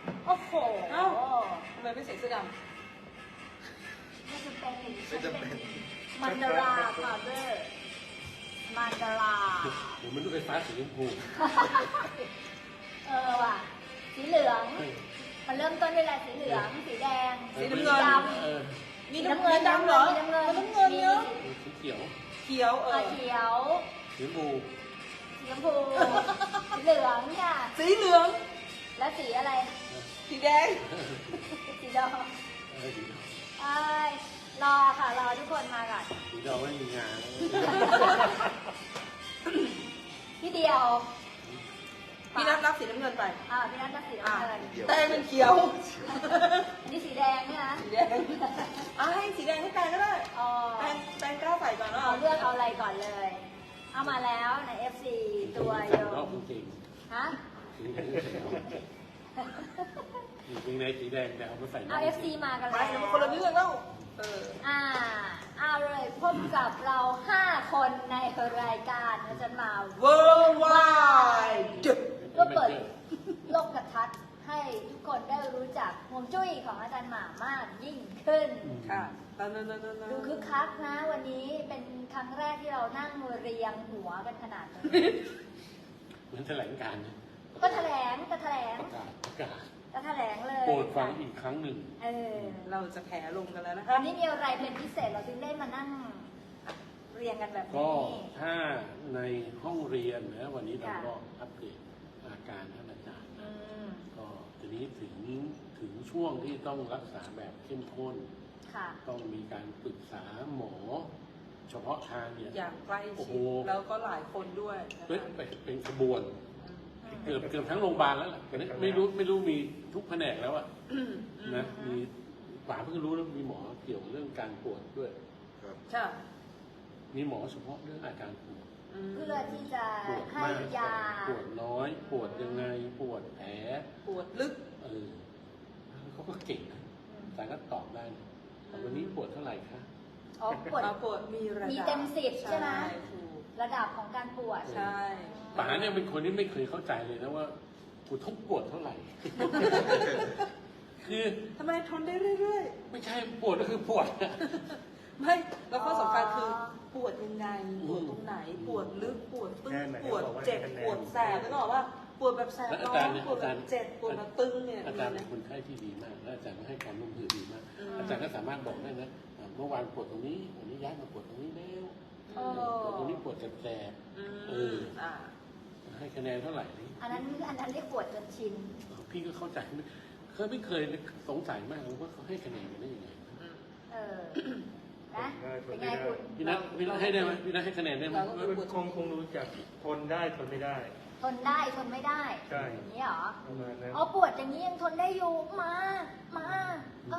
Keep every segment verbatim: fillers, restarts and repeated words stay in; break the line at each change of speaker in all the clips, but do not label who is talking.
โอ้โห
เอ้าทำไมไม่ใส่เสื้อดำ
ไม่จำเป็น
ไม่จำเป็น
มันดาราพาวเดอร์มันดารา
ผมมันดูไฟฟ้าสีชมพู
เออว่ะสีเหลือง มันเริ่มต้นด้วยอะไรสีเหลืองสีแดง
สีน้ำเงิน
ด
เออ
มี
ำ
น้ำเงินดำเหรอ
น้ำเงิน
มันน้ำเงินเยอะ
สีเขียว
เขียวเอ
อ่ะ
อ
เขียว
สีชมพู
สีชมพูสีเหลืองค่ะ
สีเหลือง
และสีอะไร
สีแดง
สีดำ
เออสี
เอ้ยรอค่ะรอทุกคนมาก่อน
สีดำไม่มีงาน
พี่เดียว
พี่นัทรับสีน้ำเงินไป
อ่าพี่นัทจะสีน้ำเงิน
แต่เป็นเขียว
อันนี้สีแดงเนี่ยนะ
สีแดงอ่ะให้สีแดงให้แปงก็ได้
อ๋อ
แปงแปงกล้าใส่ก่อนว่า
เอาเลือกเอาอะไรก่อนเลย เอามาแล้วใน เอฟ ซี ตัวโย
รอบ
ม
จริง
ฮะ
สีแดงจริงในสีแดงแต่เอามาใส่
เอา เอฟ ซี มากัน
ไป
แล้ว
คนละเรื่องแล้วเออ
อ่าเอาเลยพบกับเราห้าคนในรายการอาจารย์มา
worldwide
ก็เปิดโลกทัศน์ให้ทุกคนได้รู้จักฮวงจุ้ยของอาจารย์หมามากยิ่งขึ้น
ค่ะนั่นนั่นนั่นนั่น
ดูคึกคักนะวันนี้เป็นครั้งแรกที่เรานั่งเรียงหัวกันขนาดนี้
เหมือนแถลงการณ์นะ
ก็แถลงก็แถลง
ประกาศประกาศ
ก็แถลงเลย
โปรดฟังอีกครั้งหนึ่ง
เออ
เราจะแผลลงกันแล้วนะคะ
วันนี้มีอะไรเป็นพิเศษเราจึงได้มานั่งเรียงกันแบบ
ก็
นี้
ถ้าในห้องเรียนนะวันนี้เรา
ค่ะ
ก็อัปเดตอาการท่านอาจารย์
อื
นะ
ม
ก็ทีนี้ถึงถึงช่วงที่ต้องรักษาแบบเข้มข้น
ค่ะ
ต้องมีการปรึกษาหมอ เฉพาะทางเนี่ย
อย่างใกล้
โอ้
ชิ
โห
ดแล้วก็หลายคนด้วยนะ
เป็น
คะ
เป็นเป็นขบวน เกือบเกือบทั้งโรงพยาบาลแล้วแหละแต่นี่ไม่รู้ไม่รู้มีทุกแผนกแล้วอะนะมีป่าเพิ่งรู้แล้วมีหมอเกี่ยวเรื่องการปวดด้วย
ครับ
ใช่
มีหมอเฉพาะเรื่องอาการปวด
เพื่อที่จะ
ปวด
ให้
มาก
ยา
ปวดน้อย ปวดยังไงปวดแผล
ปวดลึก
เออเขาก็เก่งนะแต่ก็ตอบได้นะแต่วันนี้ปวดเท่าไหร่คะ
อ๋อปวด
เอาปวดมีระดับ
มีเต็มสิบใช่ไหม
ถูก
ระดับของการปวด
ใช่
ป๋าเนี่ยเป็นคนที่ไม่เคยเข้าใจเลยนะว่ากูทุกปวดเท่าไหร่ คือ
ทำไมทนได้เรื่อย
ไม่ใช่ปวดก็คือปวดอะ
ๆ ไม่แล้วข้อสำคัญคือปวดยังไงปวดตรงไหน ปวดลึกปวดตึงปวดเจ็บปวดแสบแล้วก็บอกว่าปวดแบบแสบ
แล้วอา
ร้อ
จาร
น
ย์เนี่ย
ปวด
อา
แบ
จาร
บ
ย์
เจ็บปวดแบบตึงเนี่ย
อา
มี
จารย์เป็
นะ
นคนไข้ที่ดีมาก และอาจารย์ก็ให้ความร่วมมือดีมาก
อืม
อาจารย์ก็สามารถบอกได้นะอ่าเมื่อวานปวดตรงนี้วันนี้ย้ายมาปวดตรงนี้แล้ว
เออ
ปวดตรงนี้ปวดแสบ
อืม
เออ
อ่า
ๆให้คะแนนเท่าไหร่นี่
อันนั้นอันนั้นเรียกปวดจนชิน
พี่ก็เข้าใจไม่เคยไม่เคยสงสัยมากเลยว่าเขาให้คะแนนกันได้ยังไง
เออ นะ เป็นไงคุณ
พี่นัทพี่นัทให้ได้ไหมพี่นัทให้คะแนนได้ไหม
เราก็
มันคงคงรู้จักทนได้ทนไม่ได้
ทนได้ทนไม่ได้
ใช่
อย่างนี้เหรอ
ประมาณนั้น
อ๋อปวดอย่างนี้ยังทนได้อยู่ มา มาก็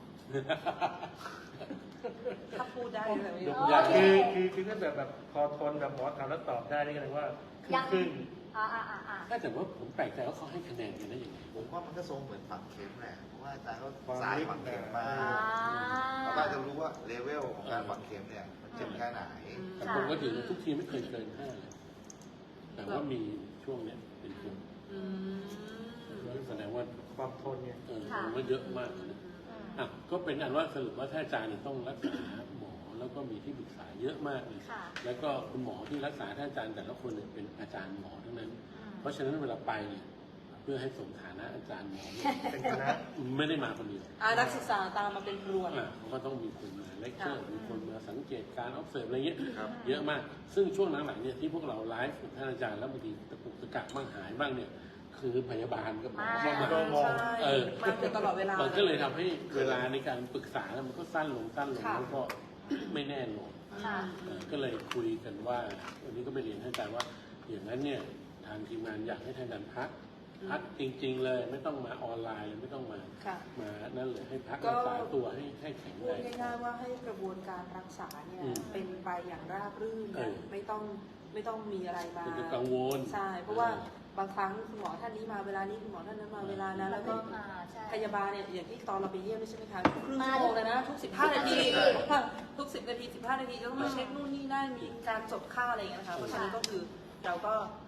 ถ้าพูดได้แบบนี้
ยก
โอ
ยาก
เค
คือคือคือถ้าแบบแบบพอทนแบบหมอถามแล้วตอบได้นี่ก็แปลว่าครึ่
ยัง ง
ครึ่ง
อ่าอ่าอ่าอ่า
ถ้าแต่ว่าผมแปลกใจว่าเขาให้คะแนนกันได้ยังไง
ผมว่ามันก็ทรงเหมือนฝังเข็มแหละเพราะว่าอาจารย์ก็
ความ
สาย
ลึก
ฝังเข็มมา
อ่า
เขาก็จะรู้ว่าเลเวลของการฝังเข็มเนี่ยมันเจ็บแค่ไหน
แต่ผมก็ถือว่าทุกทีไม่เคยเกินห้าเลยแต่ว่ามีช่วงเนี้ยเป็นช่วง
อืม
แสดงว่า
ความทนเนี่ย
เออมันก็เยอะมากนะ
อืม
อ่ะก็เป็นอันว่าสรุปว่าถ้าอาจารย์เนี่ยต้องรักษาหมอแล้วก็มีที่ปรึกษาเยอะมากเลย
ค่ะ
แล้วก็คุณหมอที่รักษาท่านอาจารย์แต่ละคนเนี่ยเป็นอาจารย์หมอทั้งนั้น
อืม
เพราะฉะนั้นเวลาไปเนี่ยเพื่อให้สมฐานะอาจารย์หมอเนี่ย
เป็นคณะ
ไม่ได้มาคนเดียว
อ่านักศึกษาตามมาเป็นรวน
อ่ะเขาก็ต้องมีคนมาเลคเชอร์
ค่ะ
มีคนมาสังเกตการ observe อะไรเงี้ย
ครับ
เยอะมาก ซึ่งช่วงหลังๆเนี่ยที่พวกเราไลฟ์กับท่านอาจารย์แล้วบางทีตะปุกตะกักบ้างหายบ้างเนี่ยคือพยาบาลกับหมอเข้ามา
ก็มอง
ใช่
เออ
มาอยู่ตลอดเวลา
มันก็เลยทำให้เวลาในการปรึกษาแล้วมันก็สั้นลงสั้นลง
ค่ะ
แล้วก็ไม่แน่นอน
ค่ะ
เอ่อก็เลยคุยกันว่าวันนี้ก็ไปเรียนท่านอาจารย์ว่า อย่างนั้นเนี่ยทางทีมงานอยากให้ท่านอาจารย์พัก พักจริง ๆ เลยไม่ต้องมาออนไลน์ไม่ต้องมา
ค่ะ
มานั่นเลยให้พัก
ก็
รักษาตัวให้ให้แข็ง
พู
แร
ด
ง
ง่ายๆว่าให้กระบวนการรักษาเนี่ย
อืม
เป็นไปอย่างราบรื่น
เอ
นะ
อ
ไม่ต้องไม่ต้องมีอะไรมา
เป็นกังวล
ใช่เพราะว่าบางครั้งคุณหมอท่านนี้มาเวลานี้คุณหมอท่านนั้นมาเวลานั้นแล้วก็
อ่าใช่
พยาบาลเนี่ยอย่างที่ตอนเราไปเยี่ยมใช่ไหมคะครึ่ง
มา
ชั่วโมงเลยนะทุกสิบห้านาที
สิบนาที
ทุกสิบนาทีสิบห้านาทีจะต้องมาเช็คนู่นนี่นั่นมีการจดค่าอะไรอย่างเงี้ยนะคะเพราะฉะนั้นก็คือเราก็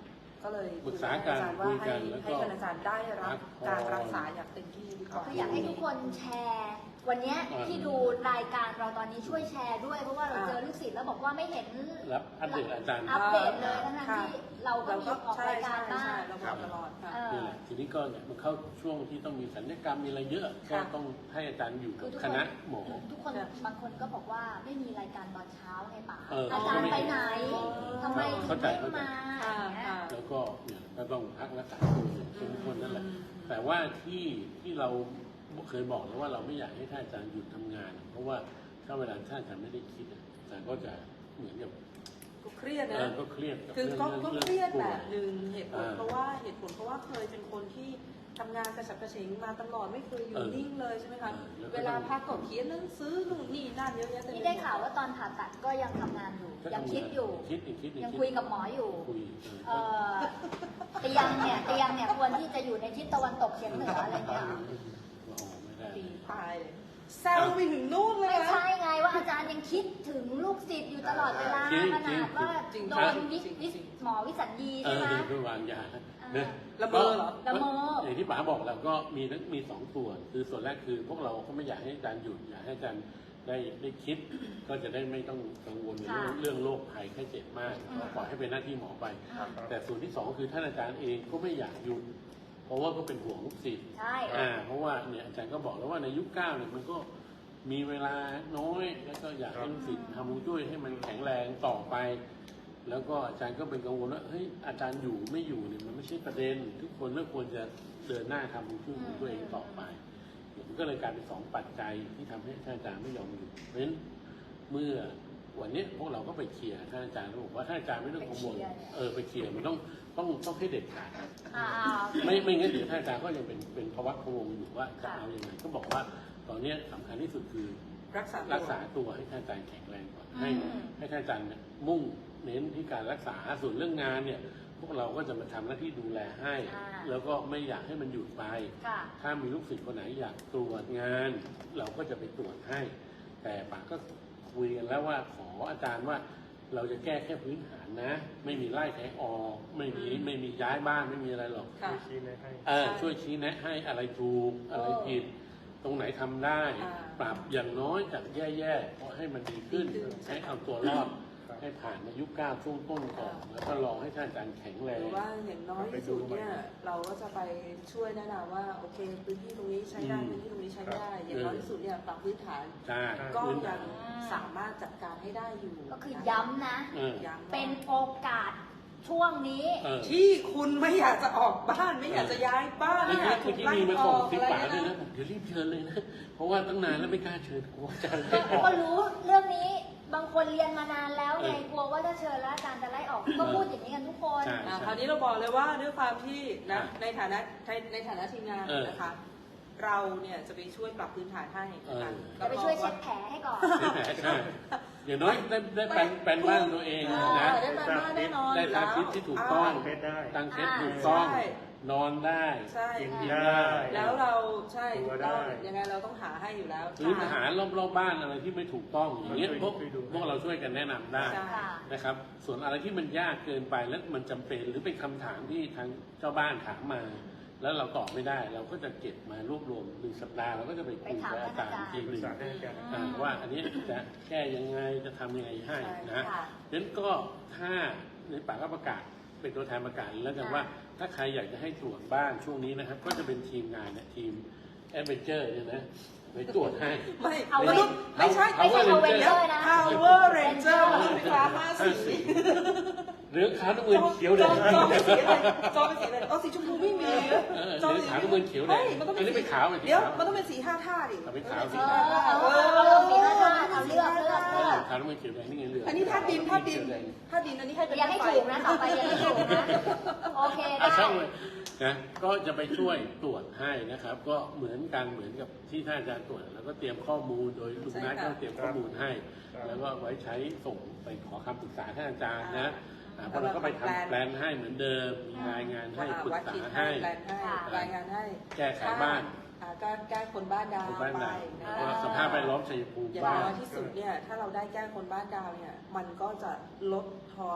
ก็เลย
ปรึกษา
คุย
กั
กับ
น
อาจารย์ว่า
คุย
ให้
กันแล้วก็
ให้อาจารย์ได้รับ
พักผ่อน
การรักษาอย่างเต็มที่ดีกว่า
ก็อยากให้ทุกคนแชร์ วันเนี้ย
อ่า
ที่ดูรายการเราตอนนี้ช่วยแชร์ด้วยเพราะว่าเรา
อ่า
เจอลูกศิษย์แล้วบอกว่าไม่เห็น
รับอัปเดตอาจารย์
อัปเดตเลยทั้ง
ค่ะ
ๆที่เราก็มีออก
ใช่
รายการ
ใช่
บ้าง
ใช่เราบอกตลอดค่ะ
เออ
นี่แหละทีนี้ก็เนี่ยมันเข้าช่วงที่ต้องมีสัญญกรรมมีอะไรเยอะก็
ค่ะ
ต้องให้อาจารย์อยู่
คื
กั
อบ ทุก
ค
คน
ณะหมอ
ทุกคน
ค่ะ
บางคนก็บอกว่าไม่มีรายการตอนเช้าไงป๋า
เออ
อาจารย์ไปไหน
อ๋อ
ทำไมถึ
เข้าง ใจ
ไม่มา
ค่ะ
อย่างเงี้ย
ค่ะ
แล้วก็เนี่ยก็ต้องพักรักษาตัวอย่างเข้มข้นนั่นแหละ
อืม
แต่ว่าที่ที่เราเคยบอกแล้วว่าเราไม่อยากให้ท่านอาจารย์หยุดทำงาน เพราะว่าถ้าเวลาท่านอาจารย์ไม่ได้คิดอะอาจารย์ก็จะเหมือนกับ
ก็เครียด
เอ
นะ
อก็เครียดกับ
คือ
เรื่อง
ก็
เรื่อง
ก็
เรื่อง
เครียด
ป่
แบ
วย
บหนึ่งเหตุผล
อ่า
เพราะว่าเหตุผลเพราะว่าเคยเป็นคนที่ทำงานกระฉับกระเฉงมาตลอดไม่เคยอยู่
เออ
นิ่งเลยใช่ไหมคะ
เออแล้วก็
เวลาพักก็เขียนหนังสือนู่นนี่นั่นเยอะแยะเต็มปหม
นี่ได้ข่าวว่าตอนผ่าตัดก็ยังทำงานอยู่
ก็
ยัง
ทำ
คิดอยู่
คิดอีกคิดอีก
ยัง
ด
คุยกับหมออยู่
คุย
เอ่อเตียงเนี่ยเตียงเนี่ยควรที่จะอยู่ในทิศตะวันตกเฉียงเหนืออะไรเงี้ย
เออว่าออกไม่ได้
ตีตายเลยแซวไปถึงนู่นเลย
ไม่
นะ
ใช่ไงว่าอาจารย์ยังคิดถึงลูกศิษย์อยู่ตลอดเวลา
จริง
ขนาดว่า
จริง
โดนวิ
จริง
วิ
จริง
หมอวิสัญญี
เอ
ใช่
อ
ไหม
เดี๋ยวไปวางยา
อ่า
เนี่ย
ละเมอเหรอ
ละเมอ
อย่างที่ป๋าบอกแล้วก็มีทั้งมีสองส่วนคือส่วนแรกคือพวกเราก็ไม่อยากให้อาจารย์หยุดอยากให้อาจารย์ได้ได้คิด ก็จะได้ไม่ต้องกังวลในเรื่อง
ค่ะ
เรื่องโรคภัยไข้เจ็บมาก
อืม
ก็ปล่อยให้เป็นหน้าที่หมอไป
อ่า
แต่ส่วนที่สองคือท่านอาจารย์เองก็ไม่อยากหยุด เพราะว่าก็เป็นห่วงลูกศิษย์
ใช่
อ่าเพราะว่าเนี่ยอาจารย์ก็บอกแล้วว่าในยุคเก้าเนี่ยมันก็มีเวลาน้อยแล้วก็อยากให้ลูกศิษย์ทำฮวงจุ้ยให้มันแข็งแรงต่อไป แล้วก็อาจารย์ก็เป็นกังวลว่าเฮ้ยอาจารย์อยู่ไม่อยู่เนี่ยมันไม่ใช่ประเด็น ทุกคนก็ควรจะเดินหน้าทำฮวงจุ้ยของตัวเองต่อไปมันก็เลยกลายเป็นสองปัจจัยที่ทำให้ท่านอาจารย์ไม่ยอมหยุดเพราะฉะนั้นเมื่อวันนี้พวกเราก็ไปเคลียร์ท่านอาจารย์แล้วบอกว่าท่านอาจารย์ไม่ต้องกังวลเออไปเคลียร์มันต้องต้องต้องให้เด็ดขาด
อ่าโอเค
ไม่ไม่งั้นเดี๋ยวท่านอาจารย์ก็ยังเป็นเป็นภาวะพะวงอยู่ว่าจะ
ค่ะ
เอาอย่างไรก็บอกว่าตอนเนี้ยสำคัญที่สุดคือ
รักษา
รักษาตัวให้ท่านอาจารย์แข็งแรงก่อน
อืม
ให้ให้ท่านอาจารย์เนี่ยมุ่งเน้นที่การรักษาส่วนเรื่องงานเนี่ย พวกเราก็จะมาทำหน้าที่ดูแลให้
อ่า
แล้วก็ไม่อยากให้มันหยุดไป
ค่ะ
ถ้ามีลูกศิษย์คนไหนอยากตรวจงาน เราก็จะไปตรวจให้ แต่ป๋าก็คุยกันแล้วว่าขออาจารย์ว่าเราจะแก้แค่พื้นฐานนะ ไม่มีไล่ใครออกไม่มีไม่มีย้ายบ้านไม่มีอะไรหรอก
ค่ะ
ไม่ชี้เลยให้
เออช่วยชี้แนะให้อะไรถูกอะไรผิด ตรงไหนทำได้
อ่า
ปรับอย่างน้อยจากแย่ๆก็ให้มันดีขึ้น
ดีขึ้น
ให้เอาตัวรอด
ครับ
ให้ผ่านในยุคเก้าช่วงต้นก่อน
อ่า
แล้วก็รอให้ท่านอาจารย์แข็งแร
ห
ง
รือว่าอย่างน้อยที่สุดเนี่ยเราก็จะไปช่วยแนะนำว่าโอเคพื้นที่ตรงนี้ใช้ได้
อืม
พื้นที่ตรงนี้ใช้ไม่ได้ อย่างน้อยที่สุดเนี่ยปรับพื้นฐาน
ใช่
ก็
พื้น
ยั
ฐาง น
สามารถจัดการให้ได้อยู่
ก็คือย้ำนะ
เออ
ย้ำ
เป็นโอกาสช่วงนี้
เออ
ที่คุณไม่อยากจะออกบ้านไม่อยากจะย้ายบ้าน
เมื่
ไม่
อ
อ
กี้
ยากถู
เมื่อก กี้มีมา
ไล่อ
ส่ง
อก
สิบ
อะไร
ป๋าด้วย
นะ
นะผมเดี๋ยวรีบเชิญเลยนะ เพราะว่าตั้งนานแล้วไม่กล้าเชิญกลัวอาจารย์ไม่ออก
ก็รู้เรื่องนี้บางคนเรียนมานานแล้วไง
เออ
กลัวว่าถ้าเชิญแล้วอาจารย์จะไล่ออก ก็พูดอย่างนี้กันทุกคน
ใช่
อ่าคราวนี้เราบอกเลยว่าด้วยความที่นะ
อ่ะ
ในฐานะในในฐานะทีมงาน
เออ
นะคะ เราเนี่ยจะไปช่วยปรับพื้นฐานให้นะคะ
เออ
จะไปช่วยเช็ดแผลให้ก่อน
ใช่ไหมใช่อย่างน้อยได้ได้แปลนแปลนบ้านตัวเอง
เอ
นะ
อได้แปลนบ้านแน่นอน
ได้ทาทิศที่ถูกต้อง
เพชรได้
ตั้งเซต
อ่า
ถูกต้อง
ใช่
นอนได้
ใช่
กิน
กิน
ได้
ได้
แล้วเราใช่
ตัว
เรา
ได้
ยังไงเราต้องหาให้อยู่แล้ว
หรือหารอบๆบ้านอะไรที่ไม่ถูกต้องอย่างเงี้ย
ช่วย
พวก
ช่วยดู
พวกเราช่วยกันแนะนำได้
ใช่
ค่ะ
นะครับ ส่วนอะไรที่มันยากเกินไปแล้วมันจำเป็นหรือเป็นคำถามที่ทางเจ้าบ้านถามมา แล้วเราตอบไม่ได้ เราก็จะเก็บมารวบรวมหนึ่งสัปดาห์เราก็จะไปคุยกับอาจารย์อีกที
ป
ห
รึก
นึ่ง
ษาให้กัน
อ่าว่าอันนี้จะแก้ยังไงจะทำยังไงให้นะ
ค่ะ
ดังนั้นก็ถ้าในป่าก็ประกาศเป็นตัวแทนประกาศแล้วกัน
ค่ะ
ว่าถ้าใครอยากจะให้ตรวจบ้านช่วงนี้นะครับ ก็จะเป็นทีมงานเนี่ยทีมแอดเวนเจอร์เนี่ยนะไปตรวจให้
ไม่
เอา
มนุษย์ไม่ใช่
ไม่ใช่
Power
Power
Ranger
Ranger นะ
Power Ranger มนุษย์ไฟฟ้าห้าสี
เหลืองขาวน้ำเงินเขียวแด
จอง จองเป็นสีอะไรจองเป็นสีอะไรเอาสีชมพูไม่มี
เออ
จอง
เหลืองขาวน้ำเงินเขียวแดง
ฮ้มันต้อง
อันนี้เป็นขาวเป็นสี
เดี๋ยว
ขาว
มันต้องเป็นสีห้าท่าดิ
เอาเป็นขาวสิ
สีห้าท่า
เออเอาเอาสีห้าท่าเอาเลือกเลือกเลือก
ขาวน้ำเงินเขียวแดงนี่ไงเหลือง
อันนี้ท่าดินท่าดิน
เขียวแง
ท่าดินอันนี้ให้เป็น
อย่าให้ถูกนะต่อไปอย่าให้ถูกนะ โอเค
อ่ะ
ได้
ช่างเลยนะก็จะไปช่วยตรวจให้นะครับ ก็เหมือนกันเหมือนกับที่ท่านอาจารย์ตรวจแล้วก็เตรียมข้อมูลโดยลุงนัทก็เตรียมข้อมูลให้ แล้วก็ไว้ใช้ส่งไปขอคำปรึกษาท่านอาจารย์นะอ่าพวกเราก็ไปทำแปลนให้เหมือนเดิมมีรายงานให้ปรึก
วัด
ษา
ขีด
ให้
แปลนให้รายงานให้
แก้ไขบ้าน
อ่าก็แก้คนบ้านดาว
คนบ้าน
ไป
ดาว
นะ
ว่า
คะ
สภาพแวดล้อมชัยภูมิ
อย่าง
บ้าน
น้อยที่สุดเนี่ยถ้าเราได้แก้คนบ้านดาวเนี่ยมันก็จะลดทอน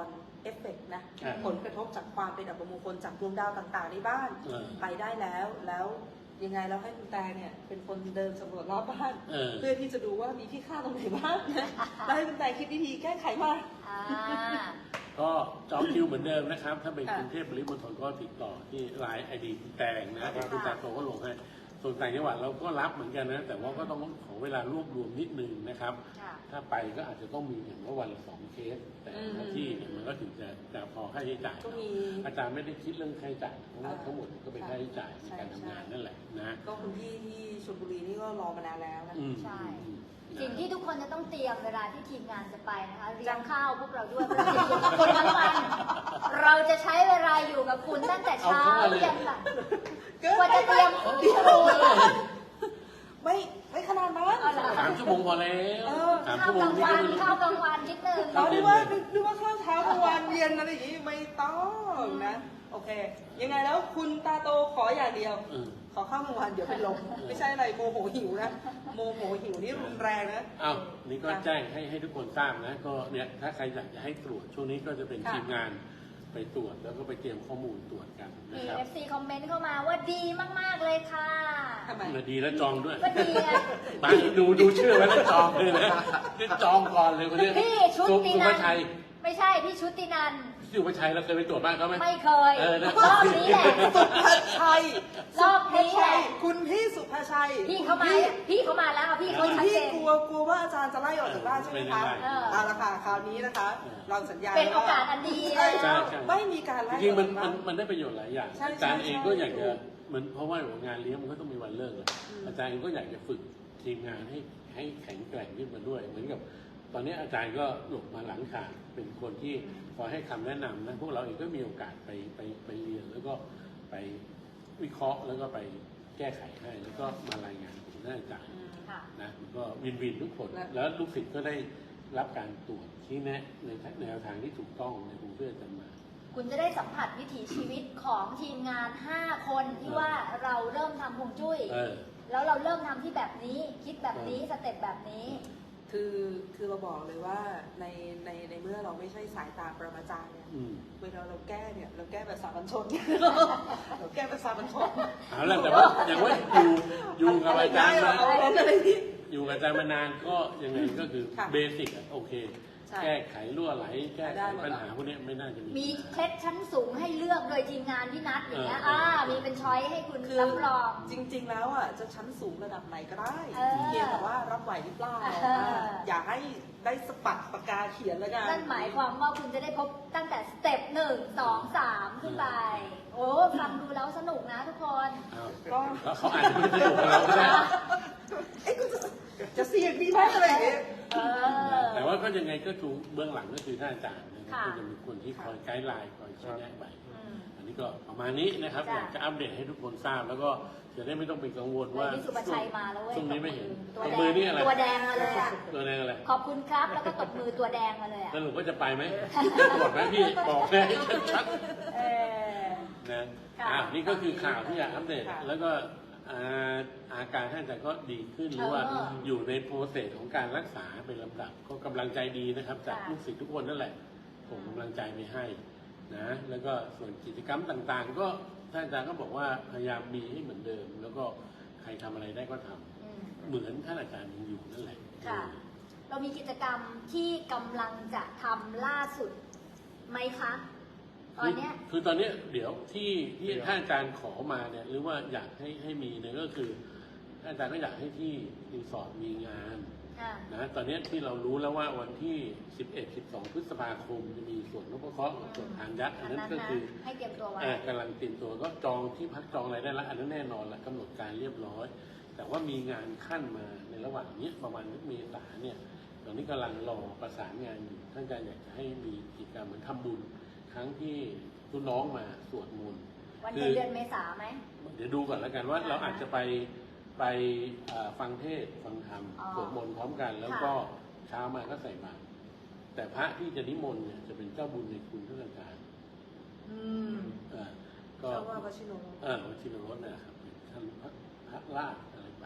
เอฟเฟกต์นะ
อ่า
ผลกระทบจากความเป็นอัปมงคลจากดวงดาวต่างๆในบ้าน
เออ
ไปได้แล้วแล้วยังไงเราให้คุณแต่เนี่ยเป็นคนเดินสำรวจรอบบ้าน
เออ
เพื่อที่จะดูว่ามีที่ค่าตรงไหนบ้างนะแล้วให้คุณแต่คิดวิธีแก้ไขมา
อ่า
ก็จองคิวเหมือนเดิมนะครับ ถ้าเป็น
ค่ะ
กรุงเทพปริมณฑลก็ติดต่อที่ไลน์ไอดีคุณแตงนะที่คุณแตงโตก็ลงให้ส่วนต่างจังหวัดเราก็รับเหมือนกันนะ แต่ว่าก็ต้องขอเวลารวบรวมนิดนึงนะครับ
ค่ะ
ถ้าไปก็อาจจะต้องมีอย่างว่าวันละสองเคส แต่หน้าที่เนี่ยมันก็ถึงจะจะพอค่าใช้จ่าย
ก็มี
อาจารย์ไม่ได้คิดเรื่องค่าใช้จ่ายเพราะว่า
อ่า
ทั้งหมดก็เป็นค่าใช้จ่ายใน
ใช่
การทำงานนั่นแหละนะ
ก็คุณพี่ที่ชลบุรีนี่ก็รอมานานแล้วนะ
อืม
ใช่
อืม
สิ่งที่ทุกคนจะต้องเตรียมเวลาที่ทีมงานจะไปนะคะเรียงข้าวพวกเราด้วยเพราะเราจะอยู่กับคุณทั้งวัน เราจะใช้เวลาอยู่กับคุณตั้งแต่เช้ายันแบบกว่าจะเตรียม
เดี๋ยวไม่ไม่ขนาดนั้น
เอาเหรอ
สามชั่วโมงพอแล้ว
เออ
สาม
ข้า
ชั่
ว
วโม
ก
ง
ลาง
นี่
วัน
ก็
ข้าวกลางวันนิดนึง
เราดูว่าดูว่าข้าวเช้ากลางวันเย็นอะไรอย่างนี้ไม่ต้องนะ โอเค ยังไงแล้วคุณตาโตขออย่างเดียว
เออ
ขอข้าวกลางวันเดี๋ยวเป็นลมไม่ใช่อะไรโมโหหิวนะโมโหหิวนี่รุนแรงนะ
อ้าวนี่ก็แจ้งให้ให้ทุกคนทราบนะ ก็เนี่ยถ้าใครอยากจะให้ตรวจช่วงนี้ก็จะเป็น
ค่ะ
ทีมงานไปตรวจแล้วก็ไปเตรียมข้อมูลตรวจกันนะ
มี
ครับ
เอฟซีคอมเมนต์เข้ามาว่าดีมากๆเลยค่ะ
ทำไม
มาดีแล้วจองด้วย
ก็ดีไง
มาดูดูชื่อไว้แล้วจองเลยนะนี่จองก่อนเลยคนนี้
พี่ชุด
สุ
ติ
สุ
นั
ภาน ชัย
ไม่ใช่พี่ชุตินัน
สุภาชัยเราเคยไปตรวจบ้านเขาไหม
ไม่เคย
เออนะ
รอบนี้แหละ
สุภาชัย
รอบนี้แหละ
คุณพี่สุภาชัย
พี่เขามาพี่เขามาแล้วพี่เขา
คุณ
ชัด
พี่
เจน
กลัวกลัวว่าอาจารย์จะไล่ออกจากบ้านใช่ไหมคะ
ไม่ได้
เอาละค่ะคราวนี้นะคะ เราสัญญา
เป็นโอกาสอันดี
ใช่
เลย
ใช่ใช่
ไม่มีการ
จ
ไล่
ริงๆ
อ
มั
อน กจาก
มั
บ้าน น
มันได้ประโยชน์หลายอย่าง
ใช่
อาจารย์
ใช่
เองก็อยากจะ
ถูก
เหมือนเพราะว่างานเลี้ยงมันก็ต้องมีวันเลิกแหละ
อืม
อาจารย์เองก็อยากจะฝึกทีมงานให้ให้แข็งแกร่งขึ้นมาด้วย เหมือนกับ ตอนนี้อาจารย์ก็หลบมาหลังฉากเป็นคนที่คอยให้คำแนะนำนะพวกเราเองก็มีโอกาสไปไปไปเรียนแล้วก็ไปวิเคราะห์แล้วก็ไปแก้ไขให้แล้วก็มารายงานถึงหน้าอาจารย์
ค่ะ
นะมันก็วินวินทุกคน
และ
แล้วลูกศิษย์ก็ได้รับการตรวจชี้แนะในแนวทางที่ถูกต้องในกรุงเทพจะมา
คุณจะได้สัมผัสวิถีชีวิตของทีมงาน ห้า คนที่ว่าเราเริ่มทำฮวงจุ้ย
เออ
แล้วเราเริ่มทำที่แบบนี้ คิดแบบนี้สเต็ปแบบนี้
คือคือเราบอกเลยว่าในในในเมื่อเราไม่ใช่สายตาปรมาจารย์เนี่ย
อืม
เวลาเราแก้เนี่ยเราแก้แบบสามัญชน เราแก้แบบสามัญชน
เอาละแต่ว่าอย่างว่าอยู่อยู่กับอาจารย์มา
เอาอะไรที่
อยู่กับอาจารย์มานานก็ยังไงก็คือ
ค่ะ
เบสิกอะโอเค
ใช่
แก้ไขรั่วไหลแก้ไข
ได้หมด
ปัญหาพวกเนี้ยไม่น่าจะมี
มีเคล็ดชั้นสูงให้เลือกโดยทีมงานพี่นัทอย่างเงี้ย
เออ
อ่า
เออ
มีเป็นช้อยให้คุณ
คือ
รับรอง
จริง ๆ แล้วอ่ะจะชั้นสูงระดับไหนก็ได้
เออ
เพียงแต่ว่ารับไหวหรือเปล่า
เออ
อ่าอย่าให้ได้สปัดปากกาเขียนแล้วกัน
นั่นหมายความว่าคุณจะได้พบตั้งแต่สเต็ปหนึ่งสองสามขึ้นไป โอ้ฟังดูแล้วสนุกนะทุกคน
อ้าว
ก็
แล้วเขาอาจจะไม่สนุกกับเราก็ได้
เอ้ยกูจะจะเสี่ยงดีไหมอะไรอย่างเงี้ย
เออ
แต่ว่าก็ยังไงก็ถูกเบื้องหลังก็คือท่านอาจารย์นะครับ
ค่ะ
ก็จะมีคนที่คอยไกด์ไลน์คอยชี้แนะไป
อืม
อันนี้ก็ประมาณนี้นะครับ
จ้ะ
อยากจะอัปเดตให้ทุกคนทราบ แล้วก็จะได้ไม่ต้องเป็นกังวลว่า
พี่สุภชัยมาแล้วเว้ย
ช่วงนี้ไม่เห็น
ตัว
ตบ
แด
มือง นี่อะไร
ตัวแดงมาเลยอ่ะ
ตัวแดงอะไร
ขอบคุณครับ แล้วก็ตบมือตัวแดงมาเลยอ่ะ
สรุปว่าจะไปไหมจะตรวจไหมพี่บอกแม่ให้ชัด
เออ
ๆนะ
ค่ะ
อ่ะนี่ก็คือข่าวที่อยากอัปเดต
ค่ะ
แล้วก็อ่าอาการท่านอาจารย์ก็ดีขึ้นหรือว่า
เออ
อยู่ในโปรเซสของการรักษาเป็นลำดับก็กำลังใจดีนะครับ จาก
ค่ะ
ลูกศิษย์ทุกคนนั่นแหละผมกำลังใจไปให้นะแล้วก็ส่วนกิจกรรมต่างๆ ก็ท่านอาจารย์ก็บอกว่าพยายามมีให้เหมือนเดิม แล้วก็ใครทำอะไรได้ก็ทำ
อืม
เหมือนท่านอาจารย์ยังอยู่นั่นแหละ
ค่ะ เรามีกิจกรรมที่กำลังจะทำล่าสุดไหมคะ ตอนเนี้ย
คือคือตอนเนี้ยเดี๋ยวที่ที่ท่านอาจารย์ขอมาเนี่ยหรือว่าอยากให้ให้มีเนี่ยก็คือท่านอาจารย์ก็อยากให้ที่รีสอร์ทมีงาน
อ่า
นะตอนเนี้ยที่เรารู้แล้วว่าวันที่ สิบเอ็ด สิบสอง พฤษภาคมจะมีส่วนนพเคราะห์กับส่วนทานยักษ์อันนั้นก็คือ
ให้เตรียมตัวไว้
เอ่อกำลังเตรียมตัวก็จองที่พักจองอะไรได้แล้วอันนั้นแน่นอนละกำหนดการเรียบร้อย แต่ว่ามีงานขั้นมาในระหว่างนี้ประมาณเมษาเนี่ยตอนนี้กำลังรอประสานงานอยู่ท่านอาจารย์อยากจะให้มีกิจกรรมเหมือนทำบุญครั้งที่ทุนน้องมาสวดมนต์
วันเดือนเดือนเมษาไหม
เดี๋ยวดูก่อนแล้วกันว่า
อ่า
เราอาจจะไปไปเอ่อฟังเทศน์ฟังธรรม
อ๋อ
สวดมนต์พร้อมกัน แล้วก็เช้ามาก็ใส่บาตรแต่พระที่จะนิมนต์เนี่ยจะเป็นเจ้าบุญในคุณท่านอาจารย์
อืม
เอ่อก็
เจ้าว่าวชิโน
เออวชิรรสนะครับเป็นท่านพระพระราชอะไรแบบ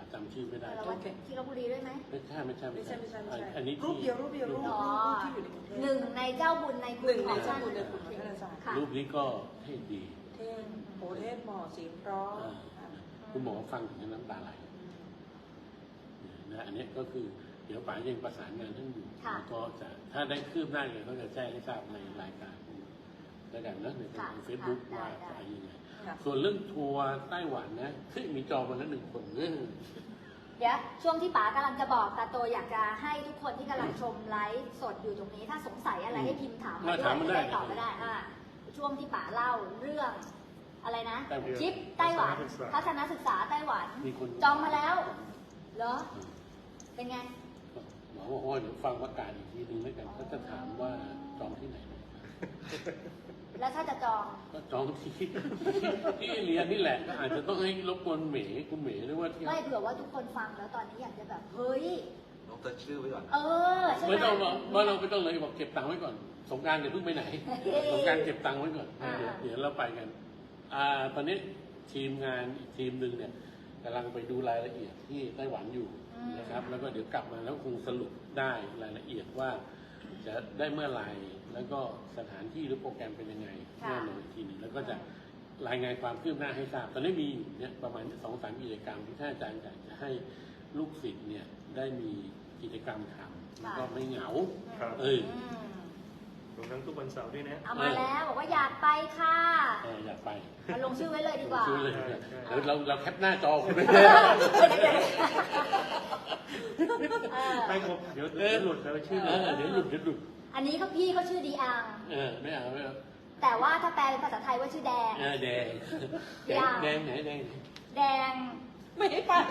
จำชื่อไม่ได้
แต่ว่าที่ลพบุรีด้วยไหม
ไม่ใช่ไม่ใช่
ไม่ใช่ไม่ใช่ไม่ใช่
อันนี้
รูปเดียวรูปเดียวรูป
อ๋อ
ที่อยู่ในกรุงเทพ
หนึ่งในเจ้าบุญในคุ
หนึ่
ณ
ง
ข
ใน
อง
เจ้า
ท่าน
บุญในคุณของท่านอาจารย์
ค่ะ
รูปนี้ก็ให้ดี
เท่งโอเทศหมอเสียงเพร้อ
อ่า คุณหมอฟังถึงน้ำตาไหลนะอันนี้ก็คือเดี๋ยวป๋ายังประสานงานท่านอยู่
ค่ะ
แล้วก็จะถ้าได้คืบหน้าเนี่ยเขาจะแจ้งให้ทราบในรายการแล้วกันนะใน
ค่ะ
เฟซบุ๊ก
ค่ะ
ว่า
ได้
จะยังไง
ค่ะ
ส่วนเรื่องทัวร์ไต้หวันนะเฮ้ยมีจองมาแล้วหนึ่งคนเออ
เดี๋ยวช่วงที่ป๋ากำลังจะบอกตาโตอยากจะให้ทุกคนที่กำลังชมไลฟ์สดอยู่ตรงนี้ ถ้าสงสัยอะไรให้พิมพ์ถามมา
มา
ด้ว
ถาม
ย
มา
จะ
ได้
ได้ตอบก็ได้อ่าช่วงที่ป๋าเล่าเรื่องอะไรนะ
ไต้หวัน
ทริปไต้หวันทัศนศึกษาไต้หวัน
มีคน
จองมาแล้วเหรอเป็นไง
หมอบอกว่าเดี๋ยวฟังประกาศอีกทีนึงแล้วกันก็จะถามว่าจองที่ไหน
แล้วถ้าจะจอง
ก็จองที่ ที่เรียนนี่แหละก็อาจจะต้องให้รบกวนเหมย์คุณเหมย์หรือว่าที่
ไม่เผื่อว่าทุกคนฟังแล้วตอนนี้อยากจะแบบเฮ้ย
ลงตัวชื่อไว้ก่อน
เออใช่ไหม
ไม่ต้องบอกว่าเราไม่ต้องเลยบอกเก็บตังค์ไว้ก่อนสงกรารเดี๋ยวเพิ่งไปไหนสงกรารเก็บตังค์ไว้ก่อน
อ่า
เดี๋ยวเดี๋ยวเราไปกันอ่าตอนนี้ทีมงานอีกทีมหนึ่งเนี่ยกำลังไปดูรายละเอียดที่ไต้หวันอยู่นะครับ แล้วก็เดี๋ยวกลับมาแล้วคงสรุปได้รายละเอียดว่าจะได้เมื่อไหร่แล้วก็สถานที่หรือโปรแกรมเป็นยังไงแน่นอนอีกทีหนึงแล้วก็จะรายงานความคืบหน้าให้ทราบตอนนี้มีอยู่เนี่ยประมาณสองสามกิจกรรมที่ท่านอาจารย์อยากจะให้ลูกศิษย์เนี่ยได้มีกิจกรรมทำแล้วก็ไม่เหงา
ครับ
เออ
อืม
รวมทั้งทุกวันเสาร์ด้วยนะ
เอามาแล้วบอกว่าอยากไปค่ะ
เอออยากไป
มาลงชื่อไว้เลยดีกว่า
ชื่อเลย
ใช่ใช่
เดี๋ยวเราเราแคปหน้าจอคุณไป
เดี๋ยวเดี๋ยวเออ
ไม่ครบเดี๋ยวเดี๋ยวหลุดแล้วชื่อ
เออเดี๋ยวหลุดเดี๋ยวหลุด
อันนี้ก็พี่เขาชื่อดีอัง
เออไม่เอาไม่เอา
แต่ว่าถ้าแปลเป็นภาษาไทยว่าชื่อแดง
เออแดงแด
ยาง ว
แดงไหนแดงไหน
แดง
ไม่ให้ไป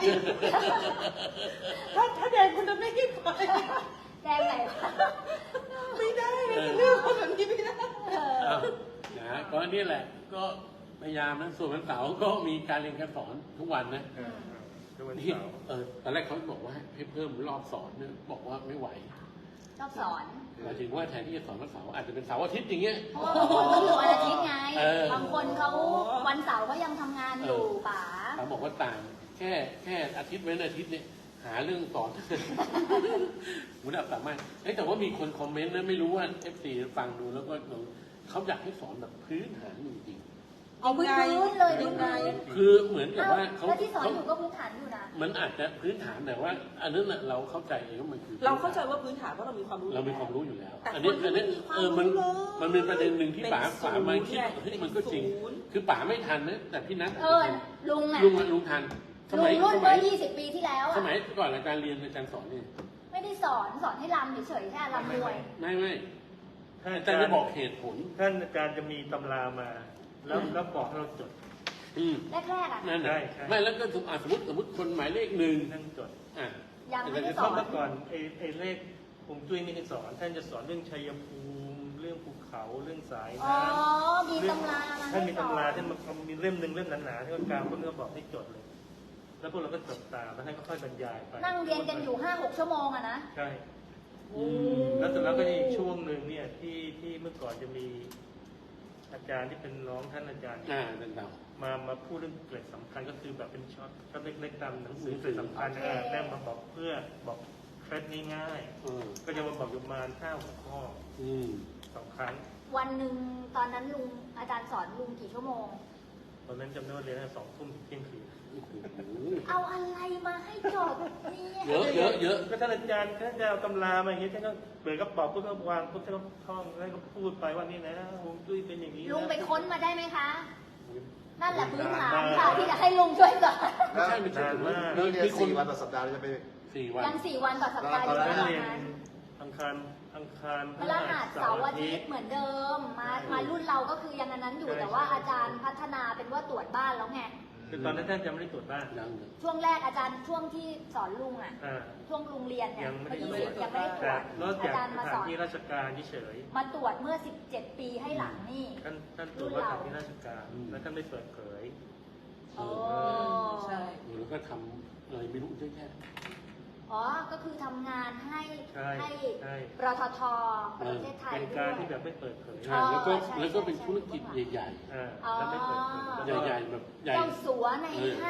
ถ้าถ้าแดงคุณจะไม่ให้ไป
แดงไหนวะ
ไม่ได้เรื่องคนแบบนี้ไม่ได้
เออ
เอานะก็นี่แหละก็พยายามนะส่วนวันเสาร์ก็มีการเรียนการสอนทุกวันนะ
อ่าอ่าทุกวัน
นี่
เสาร์
เออตอนแรกเขาบอกว่าให้เพิ่มรอบสอนเนี่ยบอกว่าไม่ไหว
ชอบสอน
หมายถึงว่าแทนที่จะสอนวันเสาร์อาจจะเป็นเสาร์อาทิตย์อย่างเงี้ย
เพราะว่าบางคนก็อยู่วันอาทิตย์ไง
เออ
บางคนเขาวันเสาร์เขายังทำงานอยู่ป๋า
เขาบอกว่าต่างแค่แค่อาทิตย์เว้นอาทิตย์เนี่ยหาเรื่องสอน มุดับสามารถเอ้ยแต่ว่ามีคนคอมเมนต์นะไม่รู้ว่า เอฟ ซี ฟังดูแล้วก็เขาอยากให้สอนแบบพื้นฐานจริง
เอาพื้นพื้นเลยพื้นพื้น
ๆคือเหมือนกับว่าเขา
แล้วที่สอน
เขา
อยู่ก็พื้นฐานอยู่นะ
มันอาจจะพื้นฐานแต่ว่า อันนั้นน่ะเราเข้าใจเองว่ามันคือ
เราเข้าใจว่าพื้นฐานเพราะเรามีความรู้
เรามีความรู้อยู่แล้ว
แต่
อันนี้
คน
อันนี้
ไม่มีความ
เออมัน
รู้เลย
มันเป็นประเด็นหนึ่งที่
เป็น
ป๋าป๋ามาคิด
ศูนย์
เฮ้ยมันก็จริง
ศูนย์
คือป๋าไม่ทันนะแต่พี่นัท
เออลุงอ่ะ
ลุงอะลุงทันส
ลุ
มั
ง
ย
รุ่น
ส
เมื่
มั
อย ยี่สิบปีที่แล้ว
ส
อ่ะ
มัยก่อนอาจารย์เรียนอาจารย์สอนเนี่ย
ไม่ได้สอนสอนให้รำเฉยๆแค่รำมวย
ไม่ไม่
ถ้า
อา
อา
จา
จาร ร
ย์
ย์
จะบอกเหตุผล
ท่านอาจารย์จะมีตำรามา แล้วแล้วบอกให้เราจด
อืม
แรกๆอ่ะ
นั่น
ใช่
น่ะ
ใช่
ไม่แล้วก็สมอ่ะสมมติสมมติคนหมายเลขหนึ่ง
นั่งจด
อ่ะ
ยังไม่ได้ส
เพ
อ
ราะ
น
เมื่อก่อนไอ้ไอ้เลขฮวงจุ้ยไม่ได้สอน ท่านจะสอนเรื่องชัยภูมิ เรื่องภูเขาเรื่องสาย
อ๋อ
น้ำ
มีตำรามา
ท่าน
ให้
มี
สอ
ตำราน ท่านมันมีเล่มหนึ่งเล่มหนาๆที่ว่ากลางพวกนี้ก็บอกให้จดเลย แล้วพวกเราก็จดตามแล้วท่านก็ค่อยบรรยายไป
นั่งเรียนกันอยู่ห้าหกชั่วโมงอะนะ
ใช่
โอ้
แล้วเสร็จแล้วก็อีกช่วงหนึ่งเนี่ยที่ที่เมื่อก่อนจะมีอาจารย์ที่เป็นน้องท่านอาจารย์
อ่าเรื่องเก่า
มามาพูดเรื่องเกร็ดสำคัญก็คือแบบเป็นช็อตช็อตเล็กๆตามหนังสือเกร็ดสำคัญเออแนบมาบอกเพื่อบอกเคล็ดง่าย
เออ
ๆก็จะมาบอกอยู่ประมาณห้าหัวข้อ
อืม
สองครั้ง
วันหนึ่งตอนนั้นลุงอาจารย์สอนลุงกี่ชั่วโมง
ตอนนั้นจำได้ว่าเรียนตั้งแต่สองทุ่มถึงเที่ยงคืน
โอ้โห
เอาอะไรมาให้จดเนี่ย
เยอะเยอะเยอะ
ก็ท่านอาจารย์ท่านจะเอาตำรามาอย่างนี้ท่านก็เปิดกระเป๋าปุ๊บก็วางปุ๊บท่านก็ท่องแล้วก็พูดไปว่านี่นะฮวงจุ้ยเป็นอย่างนี้นะ
ลุงไปค้นมาได้ไหมคะ นั่นแหละพื้นฐาน
นานมาก
ค่ะที่จะให้ลุงช่วยสอน
ไม่ใช่ไม่ใช่
นานมาก
แล้วเรียน
มีคน
สี่วันต่อสัปดาห์เราจะไป
สี่วัน
ยังสี่วันต่อสัปดาห์อ
ตอน
ยู่
นั้น
ตอน
เรียน
นั้น
อังคารอังคาร
พฤหัสเสาร์อาทิตย์เหมือนเดิม มามารุ่นเราก็คือยังอันนั้นอยู่แต่ว่าอาจารย์พัฒนาเป็นว่าตรวจบ้านแล้วไง
คือตอนนั้นท่านจะไม่ได้ตรวจบ้าน
ยังเลย
ช่วงแรกอาจารย์ช่วงที่สอนลุงอ่ะ
อ่า
ช่วงลุงเรียนเนี่ย
ยังไม่ได้
ยี่
ตร
สิ
ว
บ
จ
ยังไม่ได้ตร
แต่
วจ
นอก
อา
จาก
จารย์
ส
มาส
ถาน
อน
ที่ราชการเฉย
มาตรวจเมื่อสิบเจ็ดปีให้หลังนี่
ๆท่านท่านตรวจว่าสถานที่ราชการแล้วท่านไม่เปิดเผย
โอ้
ใช่
แล้วก็ทำอะไรไม่รู้เยอะแยะ
อ๋อ ก็คือทำงานให้
ใช่
ให้
ใช่
รททประเทศไทย
เป็น
ด้
การ
วย
ที่แบบไม่เปิดเผย
ใช่แล้วก็
ใช่
แล้วก็เป็น
ใช่
ธุรกิจใหญ่
อ่าแล้วไม่เปิดเผย
อ๋อ
แล้วก็
ๆใหญ่ๆแบบใหญ่
เจ้าสัวในห้าง
แล้ว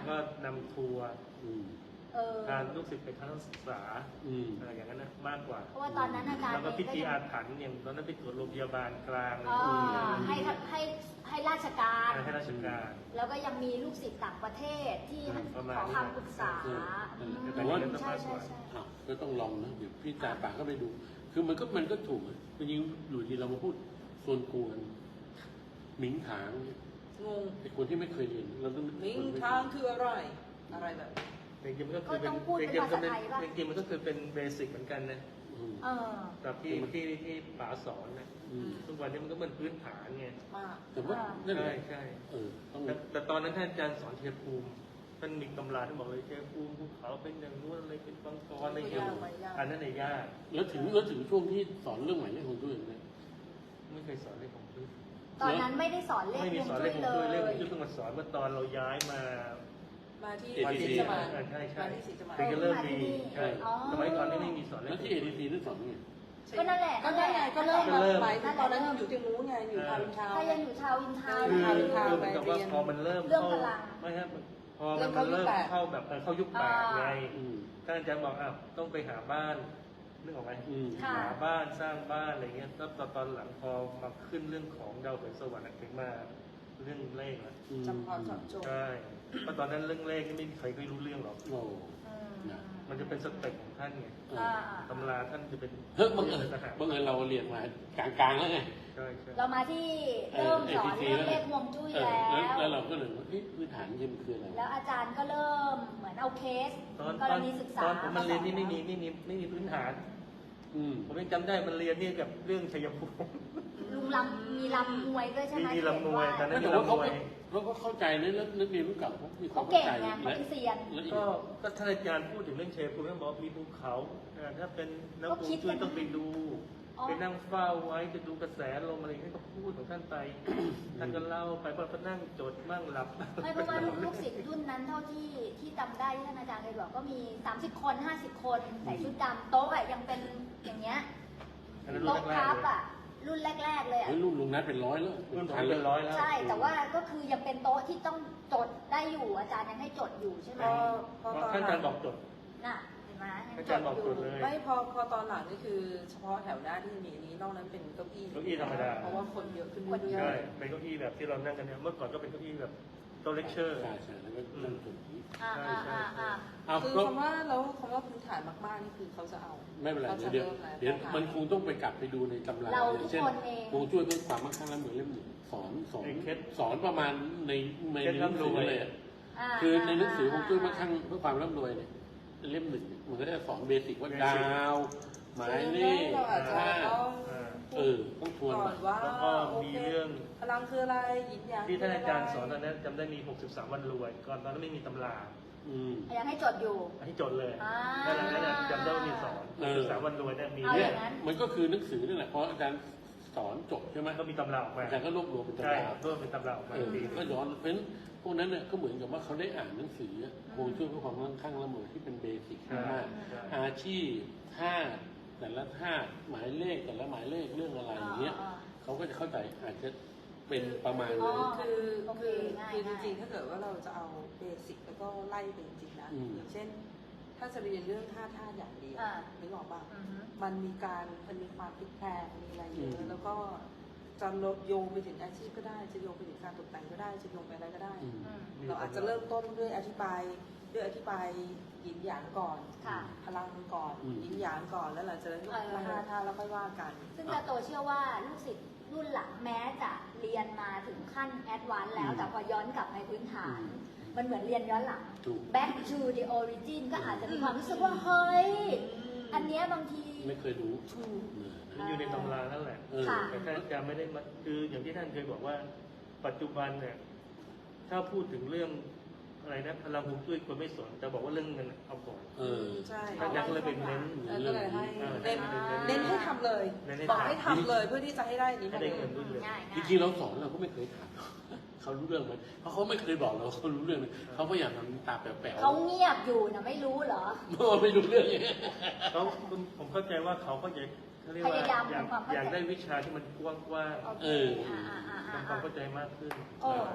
แล้วก็นำทัวร์
อืม
เออ
การลูกศิษย์ไปทัศนศึกษา
อืม
อะไรอย่างนั้นนะมากกว่า
เพราะว่าตอนนั้นอาจารย์
แล้วก็
เอง
พิธี
ก็
อาถรรพ์อย่างตอนนั้นไปตรวจโรงพยาบาลกลางอะไร
อ่า
อย่างเงี้ย
ให้ให้ให้ราชการ
ให้ราชการ
แล้วก็ยังมีลูกศิษย์ต่างประเทศที่
ประมาณ
ขอ
นี้
คำปรึกษา
เออ
อืม
แต่ว่า
ใช่ใช่ใช่
อ้าวก็ต้องลองนะเดี๋ยวพี่จาปากก็ไปดู คือมันก็มันก็ถูกอะจริงๆอยู่ที่เรามาพูดโซนกวนหมิงถางเนี่ย
งง
ไอ้คนที่ไม่เคยเรียนเราต้อง
ลิงทางคืออะไร อะไรแบบ
จริงๆมันก็คือ
ก็
เป็
ต้
น
องพูด
จ
เป็น
ริงๆ
ภา
มัน
ษา
เป็น
ไทยป่ะ
จริงๆมันก็คือเป็นเบสิกเหมือนกันนะ
อืม
เออ
แบบที่ที่ที่ป๋าสอนนะ
อืม
ทุกวันนี้มันก็เหมือนพื้นฐานไง
มาก
แต่ว่า
อ่า
นั่นแห
ใช่
ละ
ใช่
เออต้อง
แต่แต่ตอนนั้นท่านอาจารย์สอนเทียภูมิท่านมีตำราท่านบอกเลยเทียภูมิภูเขาเป็นอย่างนู้นอะไรเป็นบางกรอะไรอย่างเงี้ย
ยากไหมยาก
อันนั้นในยยาก
แล้วถึงแล้วถึงช่วงที่สอนเรื่องหมายเลขของตัวเองเนี่ย
ไม่เคยสอนเลขของพื้น
ตอนนั้นไม่ได้สอนเลข
ไม่มี
ฮวง
สอน
จุ้
เลย ขของ
เล
พื้นเลขข
ย
องพื้นเพิ่งมาสอนเมื่อตอนเราย้ายมา
มาที่
เอ
ศรีสมาน
อ่าใช่ใช่
มาที่ศรีสมาน
ถึงจะเริ่มมี
เอ
ใช่
ออ๋อ
สมัยก่อนนี่ไม่มีสอนเล
แล้ว
ข
ที่เอดีซีนั่นสอนไง
ก็นั่นแหละ
ก็ได้ไงก็เริ่ม
ก็
มา
เริ่ม
หมายถึงตอนนั้นยังอยู่ที่นู้นไงอยู่ทาวน์อินทาวน์
ถ้ายังอยู่ชาวอินทาวน์
คือ
ทาวน์อินทาวน์
คือเหมือนกับว่าพอมันเริ่ม
เรื่อง
เข้า
พลัง
ไม่ครับพอมันมันเริ่มเข้าแบบเออเข้ายุคแปดไง
อืม
ท่านอาจารย์บอกอ้าวต้องไปหาบ้านนึกออกไหม
อืม
ค่ะ
หาบ้านสร้างบ้านอะไรเงี้ยแล้วตอนตอนหลังพอมาขึ้นเรื่องของดาวเหินสวรรค์ถึงมาเรื่องเลขละ
อืม
จำพอจำโจทย์
ใช่เพราะตอนนั้นเรื่องเลขนี่ไม่มีใครเคยรู้เรื่องหรอก
โอ้
อืม
นะ
มันจะเป็นสเต็ปของท่านไง
เออ
อ่า
ตำราท่านจะเป็น
เฮ้ยบังเอิญ
ทหาร
บังเอิญเราเรียนมากลางๆแล้วไง
ใช่ใช่
เรามาที่เริ่มสอนเรื่องเลขฮวงจุ้ย
เออ
แล้ว
แล้วเราก็เลยว่าเอ๊ะพื้นฐานจริงมันคืออะไร
แล้วอาจารย์ก็เริ่มเหมือนเอาเคส
ตอน
ก
ต
ร
อน
ณีศึกษา
ตอนผมมันเรียนนี่
สอ
ไม่มีไม่มีไม่มีพื้นฐาน
อืม
ผมยังจำได้มันเรียนนี่กับเรื่องชัยภูมิ
ลุงลำมีลำมวยด้วยใช่ไหม
มีลำมวยตอนนั้น
แต่ว่าเขาก็เขาก็เข้าใจนะแล้วนักเรียนรุ่นเก่าเขามีควา
เขา
มเข้า
เก่ง
ใจ
ไงเขา
และ
เป็นเซียน
และอีก
ก็ก็ท่านอาจารย์พูดถึงเรื่องชัยภูมิท่านบอกว่ามีภูเขาอ่าถ้าเป็นนัก
ก็
ภู
คิด
มิช่วย
กัน
ต้องไปดู
อ๋อ
ไปนั่งเฝ้าไว้จะดูกระแสลมอะไรอย่างเงี้ยก็พูดของท่านไป ท่านก็เล่าไปพอก็นั่งจดบ้างหลับบ้าง
ไม่เพราะว่าลูกศิษย์รุ่นนั้นเท่าที่ที่จำได้ที่ท่านอาจารย์เคยบอกก็มีสามสิบคนห้าสิบคนใส่ชุดดำโต๊ะอะยังเป็นอย่างเงี้ย
อันนั้นรุ่น
โต๊ะ
แร
พั
ก
บ
ๆเลย
อะรุ่นแรก ๆ เลยอะ
เฮ้ยรุ่นลุงนัทเป็นร้อยแล้ว
รุ่นผม
พัน
เป็นร้อยแล้ว
ใช่แต่ว่าก็คือยังเป็นโต๊ะที่ต้องจดได้อยู่อาจารย์ยังให้จดอยู่ใช่ไหม
พอพอ
เพ
ตอ
ราะ
น
ท่าน
ห
อา
ลั
จารง ย์บอกจด
น่ะเห็นไหมยัง
อา
จ
จาร
ด
ย์บอก
อยู่
จดเลย
ไม่พอพอตอนหลังนี่คือเฉพาะแถวหน้าที่มีอันนี้นอกนั้นเป็นเก้าอี้
เก้าอี้ธรรมดา
เพราะว่าคนเยอะขึ้น
คนเย
เรื่
ใช่
อย
เป็นเก้าอี้แบบที่เรานั่งกันเนี่ยเมื่อก่อนก็เป็นเก้าอี้แบบโต๊ะเลคเชอร์
ใช่ใช่แล้วก็นั่งจด
อ่าอ่าอ่าอ่า
เอา
ๆคือ
ก็
คำว่าแล้วคำว่าพื้นฐานมากๆนี่คือเขาจะเอา
ไม่เป็นไร
ขาจะ
เดี๋ยว
ริ่แล้ว
เดี๋ยว
เขา
มันคงต้องไปกลับไปดูในตำรา
เราทุก
เช่น
คนเอง
คงช่วยเพื่อความมั่งคั่งและเหมือนเล่มหนึ่งสอนสอน
ไอ้เคล็ด
สอนประมาณในใน
เคล็ด
หนังสือ
ร่ำรวย
เลยอะ
า
คือในหนังสือของช่วยมั่งคั่งเพื่อความร่ำรวยเนี่ยเล่มหนึ่งเนี่ยมันก็จะสอนเบสิกว่าดาวหมายเลข
เราอาจจะ
ค่า
ต้อง
อ่า
เออต้องทวน
ก่อนว่า
แล้วก็
โอ
มี
เค
เรื่อง
พลังคืออะไรหยินหยาง
ที่ท่านอาจารย์ส
คื
อน
อะ
ตอนนั้นจำได้มีหกสิบสามวันรวย ก่อนตอนนั้นไม่มีตำรา
อืม
ยังให้จดอยู่
อันนี้จดเลย
อ่า
นั่นแหละนั่นแหละจำได้ว่ามีสอน
เอ
หก
อ
สิบสามวันรวยเนี่ยมี
เอา
เนี่
อย ย่างนั้น
มันก็คือหนังสือนั่นแหละเพราะอาจารย์สอนจบใช่ไหม
ก็มีตำราออกมา
อาจารย์ก็รวบรวมเป็น
ใช่
ตำรา
เพิ่มเป็นตำราออกมา
เออ
ที
ก็ย้อนเพราะฉะนั้นพวกนั้นเนี่ยก็เหมือนกับว่าเขาได้อ่านหนังสือโฮงจุ้ยเพื่อความมั่งคั่งร่ำรวยที่เป็นเบสิก
ใช่
มาก
ใช่
อาชีพท่าตุแต่ละท่าตุหมายเลขแต่ละหมายเลขเรื่องอะไรอย่างเงี้ย
อ่า
เขาก็จะเข้าใจอาจจะเป็นประมาณ
อ๋
นั้
อ
น
คือ
โอเค
คือ
ง่าย
คือจ
ง่าย
ริงๆ ถ้าเกิดว่าเราจะเอาเบสิกแล้วก็ไล่ไปจริงๆนะ
อืม
อย่างเช่น ถ้าจะเรียนเรื่องท่าท่าอย่างเดียว
อ่า
นึกออกป่ะ
อือฮึ
มันมีการมันมีความพลิกแพลงมีอะไรเย
อื
อะ
ม
แล้วก็จะลดโยงไปถึงอาชีพก็ได้ จะโยงไปถึงการตกแต่งก็ได้ จะโยงไปอะไรก็ได้
อืม
อืม
เราอาจจะเริ่มต้นด้วยอธิบายด้วยอธิบายหยินหยางก่อน
ค่ะ
พลังก่อน
อืม
หยินหยางก่อนแล้วหลังจากนั้นก็
เออ
มาท่าท่าแล้วค่อยว่ากัน
ซึ่งตาโตเชื่อว่าลูกศิษย์รุ่นหลังแม้จะเรียนมาถึงขั้นแอดวานซ์แล้ว
อืม
แต่พอย้อนกลับในพื้นฐาน
อืม
มันเหมือนเรียนย้อนหลัง
ถูก
back to the origin ก็อาจจะมีความรู้สึกว่า เฮ้ย อันเนี้ยบางที
ไม่เคยรู้
ถูก
เออ
มันอยู่ในตำรานั่นแหละ
เออ
ค่ะ
แต่ท่านอาจารย์ไม่ได้มาคืออย่างที่ท่านเคยบอกว่า ปัจจุบันเนี่ยถ้าพูดถึงเรื่องอะไรนะพลังฮวงจุ้ยคนไม่สนแต่บอกว่าเรื่องเงินเอาก่อน
เออ
ใช่
ท่านอาจารย์ก็เลยเป็นเน้น
เออก็เลยให้
เออ
เน้น
เน้น
เน้นให้ทำเลย
เน้นให้
บอก
ทำ
ให้ทำเลยเพื่อที่จะให้ได้นี้
ให้
มา
ได้
เล
เงิ
ย
นด้วยเลย
ง่าย
จ
ง่าย
ริงๆเราสอนเราก็ไม่เคยถามเขารู้เรื่องไหมเพราะเขาไม่เคยบอกเราเขารู้เรื่องเลยเขาก็อยากทำตาแป๋วๆ
เขาเงียบอยู่นะไม่รู้เหรอ
เมื่อไม่รู้เรื่องอย่างเงี้ย
เขาผมเข้าใจว่าเขาก็อยากเขาเรียกว่า
พยายาม
อยาก
ทำความเข้าใจ
อยากได้วิชาที่มันกว้าง
โอเค
เออ
อ่าอ่า
ๆ
อ่า
ทำความ
อ่า
เข้าใจมากขึ้น
โอ้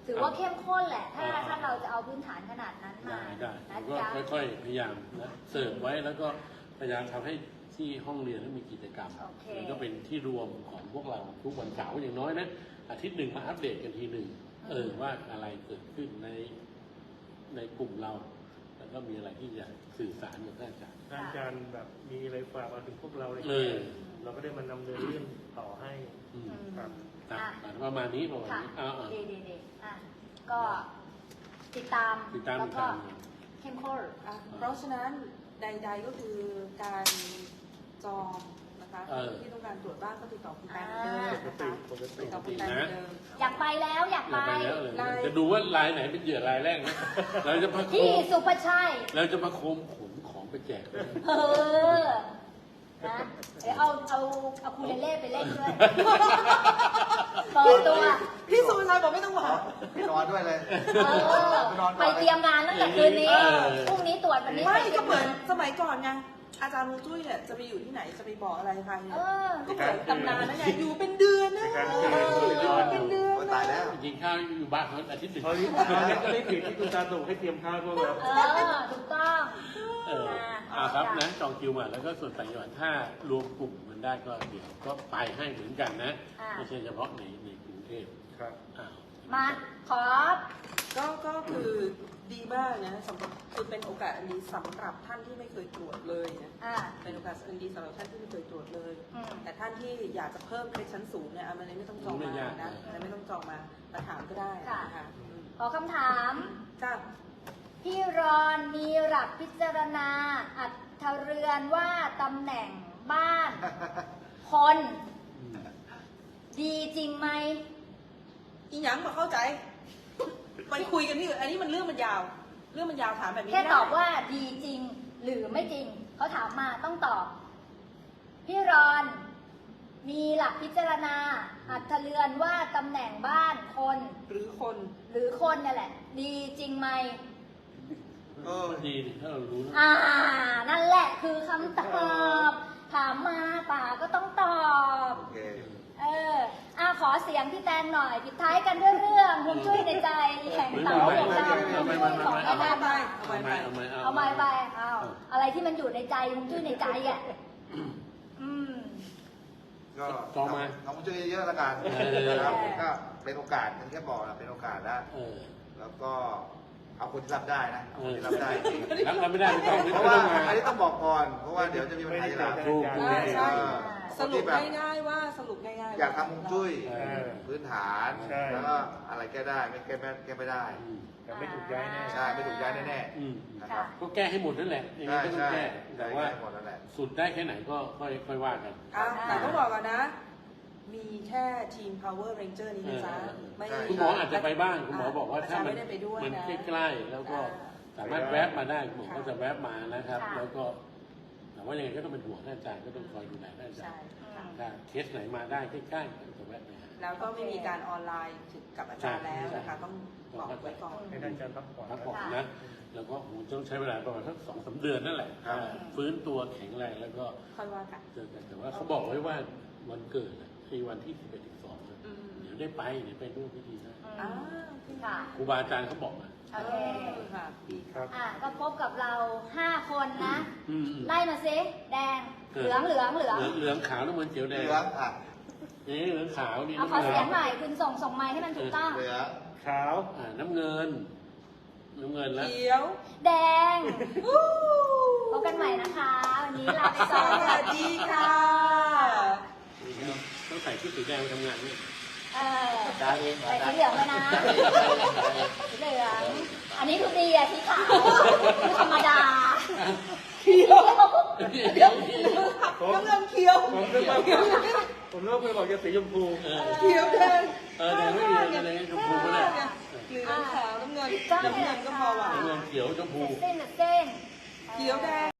ถือว่าเข้มข้นแหละ ถ้า
อ่า
ถ้าเราจะเอาพื้นฐานขนาดนั้นมา
ได้ได้
นะ
ก็
จ๊ะ
ค่อยๆพยายามนะเสิร์ฟไว้แล้วก็พยายามทำให้ที่ห้องเรียนนั้นมีกิจกรรม
โอเค
มันก็เป็นที่รวมของพวกเราทุกวันเสาร์อย่างน้อยนะอาทิตย์หนึ่งมาอัปเดตกันทีหนึ่งเออว่าอะไรเกิดขึ้นในในกลุ่มเรา แล้วก็มีอะไรที่จะสื่อสารกับท่านอาจารย์
อาจารย์แบบมีอะไรฝากมาถึงพวกเราอะไร
เออ
เราก็ได้มานำเนินเรื่องต่อให้
อืม
ครับ
อ่ะ
อ่ะ
ประมาณนี้ประมาณ
ค่ะ
นี้อ่าอ่า
ดีดีดีอ่ะก็ติดตาม
ติดตาม
แล้ว
ติด
ก็
ตาม
เข้มข้น
อ่ะเพราะฉะนั้นใด ๆก็คือการจองนะคะ
เออ
ที่ต้องการตรวจบ้านก็ติดต่อคุณแตงเหมือนเดิม
ปก
นะ
ติ
คะ
ปกติ
ติดต่อคุณแตงเหมือนเดิม
อยากไปแล้วอยาก
เรา
ไป
ไปแล้วเลย
ไลน์
จะดูว่าลายไหนเป็นเหยื่อรายแรกนะเราจะประโค
ที่
ม
สุภาชัย
เราจะประโคมขนของไปแจกเลย
เออ นะเดี๋ยวเอาเอาเอาคูเลเล่ไปเล่นด้วยเปิดตัว
พี่สุชัยบอกไม่ต้องบอก
ไปนอนด้วยเลย
เออ ไปเตรียมงานตั้งแต่คืนนี้ พรุ่งนี้ตรวจวันนี้
ไม่
ไป
ก็เหมือนสมัยก่อนไงอาจารย์มูจุ้ยเนี่ยจะไปอยู่ที่ไหนจะไปบอกอะไรใครเนี่ย
เออ
ก็เหมือนตำนานนั่นไงอยู่เป็นเดือนนะ
ในการ
อยู่
เตือน
เป็นเดือน
โอ้ย
นะ
ตายแล้ว
กินข้าวอยู่บ้านเขาอาทิตย์หนึ่ง
ตอนนี้ตอนนี้ก็ไม่ผิดที่คุณตาส่งให้เตรียมข้าวพวกเรา
เออ ถูกต้อง
เอออ่าครับนะจองคิวมาแล้วก็ส่วนต่างจังหวัดถ้ารวมกลุ่มมันได้ก็เดี๋ยวก็ไปให้เหมือนกันนะ
อ่า
ไม่ใช่เฉพาะในในกรุงเทพ
ครับ
อ้าว
มาขอ
ก็ก็คือดีมากนะสำหรับคือเป็นโอกาสอันดีสำหรับท่านที่ไม่เคยตรวจเลยนะ
อ่า
เป็นโอกาสอันดีสำหรับท่านที่ไม่เคยตรวจเลย
อืม
แต่ท่านที่อยากจะเพิ่มเครดชั้นสูงเนี่ยอันนี้ไม่ต้องจองมานะอันนี้ไม่ต้องจองมามาถามก็ได้นะคะอืม
ขอคำถาม
จ้า
พี่รอนมีหลักพิจารณา อัตเรือนว่าตำแหน่งบ้าน คน
อืม
ดีจริงไหม
อีหยังมาเข้าใจ ไปคุยกันที่อื่นอันนี้มันเรื่องมันยาว เรื่องมันยาวถามแบบนี้
แค่
ไม่ได้
ตอบว่าดีจริงหรือไม่จริง เขาถามมาต้องตอบ พี่รอน มีหลักพิจารณา อัตเรือนว่าตำแหน่งบ้านคน
หรือคน
หรือคนนี่แหละ ดีจริงไหม
เออ
ก็ดีดิถ้าเรารู้นะ
อ่า นั่นแหละคือคำตอบ ถามมาป่าก็ต้องตอบ
โอเค
เอออ่ะขอเสียงพี่แตนหน่อย ปิดท้ายกันด้วยเรื่องฮวงจุ้ยในใจแห่งเต๋าของเราฮวงจุ้ยของ
เอา
แม่
ไป
แม่
ไปเอาไป
เอาไหม
ไป
เอาไหม
เอาไปไปเอาอะไรที่มันอยู่ในใจฮวงจุ้ยในใจอ่ะอืม
ก็
จองมา
ทำช่วยเยอะๆแล้วกัน
เออ
นะครับก็เป็นโอกาสอย่างที่แค่บอกนะเป็นโอกาสแล้ว
เออ
แล้วก็เอาคนที่รับได้นะเอาคนที่รับได้จริง
รับรับไม่ได้ไม่ต้องไม่
เพ
ต้อ
ราะ
ง
ว่า
มา
อันนี้ต้องบอกก่อน เพราะว่าเดี๋ยวจะมีปัญหาทีหลัง
ถูกถูก
อ่าใช่
เออ
สรุปง่ายๆว่าสรุปง่ายๆ
อยากทำฮวงจุ้ย
เออ
พื้นฐาน
ใช่
แล้วก็อะไรแก้ได้ไม่แก้ไม่แก้ไม่ได้
อืม
แต่ไม่ถูกย้ายแน่
ใช่ไม่ถูกย้ายแน่
อืม
ๆนะครับ
ก็แก้ให้หมดนั่นแหละยังไง
ใช่
ก็ต้อง
ใช่
แก้แต่ว่า
หมดนั่นแหละ
สุดได้แค่ไหนก็ค่อยค่อยว่ากัน
อ่ะแต่ต้องบอกก่อนนะ มีแค่ทีม Power Ranger นี้นะจ๊ะ
เออ
ไม่
ใช่
คุณหมออาจจะไปบ้างคุณหมอบอกว่าถ้ามัน
ไม่ได้ไปด้วย
มัน
นะ
ใกล้ๆแล้วก็สามารถแวบมาได้คุณหมอก็จะแวบมานะครับ
ค่ะ
แล้วก็แต่ว่ายังไงก็ต้องเป็นห่วงท่านอาจารย์ก็ต้องคอยดูแลท่านอาจาร
ใช่
ย์
ค่ะ
ถ้าเคสไหนมาได้ใกล้ๆก็จะแวะไปหา
แล้วก็ไม่มีการออนไลน์ถึงกับอาจารย์แล้วนะคะ ต้องบอกไว้ก่อน
ให้ท่านอาจารย์พักผ่อน
พัก
นะ
ผ่อนนะ แล้วก็โหต้องใช้เวลาประมาณสักสองสามเดือนนั่นแหละ
ครับ
ฟื้นตัวแข็งแรงแล้วก็
ค่อยว่ากัน
เจอกันแต่ว่าเขาบอกไว้ว่าวันเกิดอะคือวันที่สิบเอ็ดสิบสอง
อืม
เดี๋ยวได้ไปเดี๋ยวไปร่วมพิธีนะ
อ่าโอเค
ค่ะ
ครูบาอาจารย์เขาบอกมา
โอเค
ค่ะดี
ครับ
อ่ะก็พบกับเราห้าคนนะ
อืม
ไล่มาซิแดง เหลืองเหลืองเหลือง
เหลืองเหลืองขาวน้ำเงินเขียวแดง
เหลืองอ่ะ
นี่เหลืองขาวนี่
เอาขอเสียงหน่อยคุณส่งส่งไมค์ให้มันถูกต้อง
เหลือง
ขาว
อ่าน้ำเงิน น้ำเงินแล้ว
เขียว
แดงพบกันใหม่นะคะ วันนี้ลาไป
ส
ก่อน
วัสดีค่ะ
ต้องใส่ชุดสีแดงไปทำงานนี่
เออ
ได้เอง
ใส่สีเหลืองไปนะสีเหลือง อันนี้คือดีอะสีขาวคือธรรมดา
เขียว
เดี๋ยวนี้
น้ำเงินเขียว
ผมนึกว่าผมนึกว่าคุณบอกจะสีชมพู
เออ
เขียวแดง
เออแดงไม่มีแดงชมพูก็ได้
เหลืองขาวน้ำเงินน้ำเงินก็พอว่ะ
น้ำเงินเขียวชมพู
เส้นเส้น
เขียวแดง